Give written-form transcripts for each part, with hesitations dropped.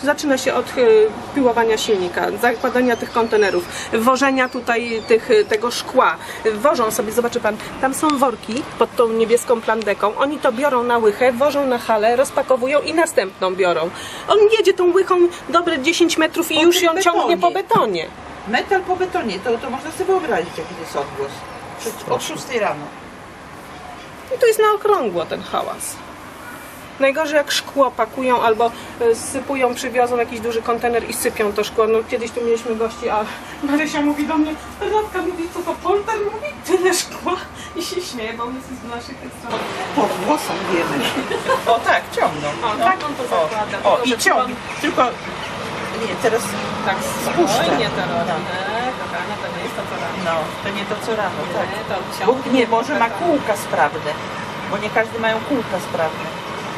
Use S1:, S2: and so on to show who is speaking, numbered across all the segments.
S1: zaczyna się od piłowania silnika, zakładania tych kontenerów, wożenia tutaj tego szkła. Wożą sobie, zobaczy pan, tam są worki pod tą niebieską plandeką. Oni to biorą na łychę, wożą na halę, rozpakowują i następną biorą. On jedzie tą łychą dobre 10 metrów i już ją ciągnie po betonie.
S2: Metal po betonie, to można sobie wyobrazić, jaki to jest odgłos. O 6 rano.
S1: I to jest na okrągło ten hałas. Najgorzej jak szkło pakują albo sypują, przywiozą jakiś duży kontener i sypią to szkło. No kiedyś tu mieliśmy gości, a Marysia mówi do mnie, Radka mówi, co to polter? Mówi, tyle szkła i się śmieje, bo on jest z naszych stron.
S2: Po włosach wiemy. O tak, ciągną.
S1: O, tak on to zakłada.
S2: O, i ciągnie. Tylko, nie, teraz
S1: tak
S2: spuszcza.
S1: spokojnie to robi. Kochana, to nie jest to co rano.
S2: No, to nie to co rano, tak.
S1: Nie, to
S2: Bo
S1: ciągnie
S2: nie, może
S1: po
S2: ma
S1: betonie.
S2: kółka sprawne, bo nie każdy mają kółka sprawne.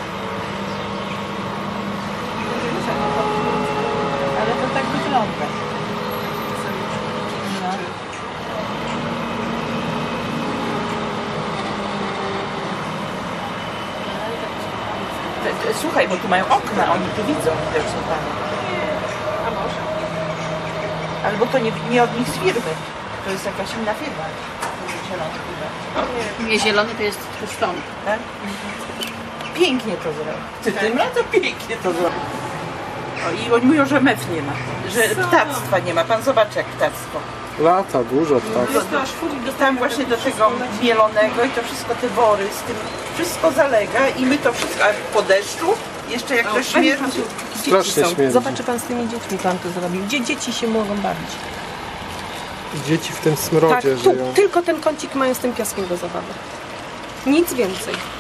S2: Ale to tak wygląda. No. Słuchaj, bo tu mają okna, oni tu widzą, widocznie pan.
S1: A może?
S2: Albo to nie od nich z firmy, to jest jakaś inna firma. Zielony firma.
S3: Nie, zielony to jest tłuszczony.
S2: Tak? Pięknie to zrobił. Tym razem pięknie to zrobił. O, i oni mówią, że mew nie ma, że ptactwa nie ma. Pan zobaczy jak ptactwo.
S4: Lata, dużo tak.
S1: Jest to aż furii do
S2: Tam właśnie do tego mielonego i to wszystko, te wory z tym, wszystko zalega i my to wszystko, a po deszczu jeszcze jak to śmierdzi.
S4: Strasznie śmierdzi.
S1: Zobaczy pan z tymi dziećmi, pan to zrobił. Gdzie dzieci się mogą bawić?
S4: Dzieci w tym
S1: Tak,
S4: smrodzie
S1: tu,
S4: żyją.
S1: tylko ten kącik mają z tym piaskiem do zabawy. Nic więcej.